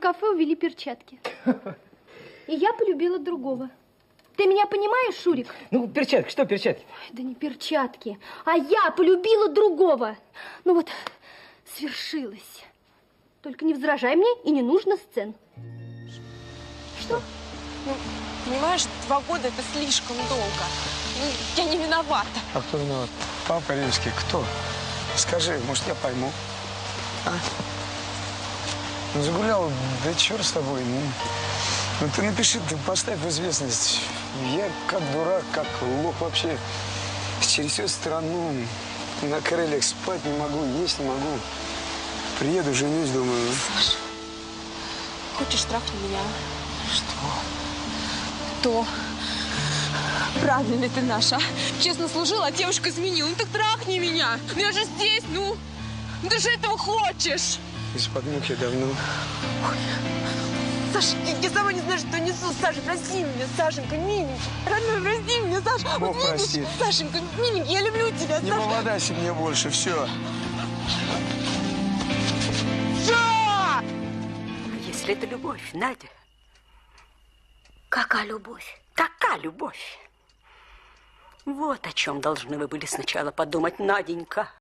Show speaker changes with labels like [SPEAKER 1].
[SPEAKER 1] кафе увели перчатки. И я полюбила другого. Ты меня понимаешь, Шурик?
[SPEAKER 2] Ну, перчатки, что перчатки?
[SPEAKER 1] Ой, да не перчатки, а я полюбила другого. Ну вот, свершилось. Только не возражай мне и не нужно сцен. Что?
[SPEAKER 3] Ну, понимаешь, 2 года это слишком долго. Ну, я не виновата.
[SPEAKER 4] А кто виноват? Папа римский. Кто? Скажи, может, я пойму. А? Ну, загулял, да черт с тобой. Ну, ты напиши, ты поставь в известность. Я как дурак, как лох вообще. Через всю страну на крыльях спать не могу, есть не могу. Приеду, женюсь, думаю.
[SPEAKER 3] Саша, хочешь трахнуть меня?
[SPEAKER 4] Что?
[SPEAKER 3] То. Правильно ли ты наша? Честно служила, а девушка изменила. Ну так трахни меня. Ну я же здесь, ну. Ну ты же этого хочешь.
[SPEAKER 4] Из-под муки давно.
[SPEAKER 3] Ой. Саша, я сама не знаю, что несу. Саша, прости меня, Сашенька, миленький. Родной, прости меня, Саша.
[SPEAKER 4] Бог
[SPEAKER 3] вот видишь,
[SPEAKER 4] простит.
[SPEAKER 3] Сашенька, миленький, я люблю тебя,
[SPEAKER 4] Не
[SPEAKER 3] Саша.
[SPEAKER 4] поводайся мне больше, все.
[SPEAKER 5] Если это любовь, Надя. Какая любовь? Какая любовь? Вот о чем должны вы были сначала подумать, Наденька.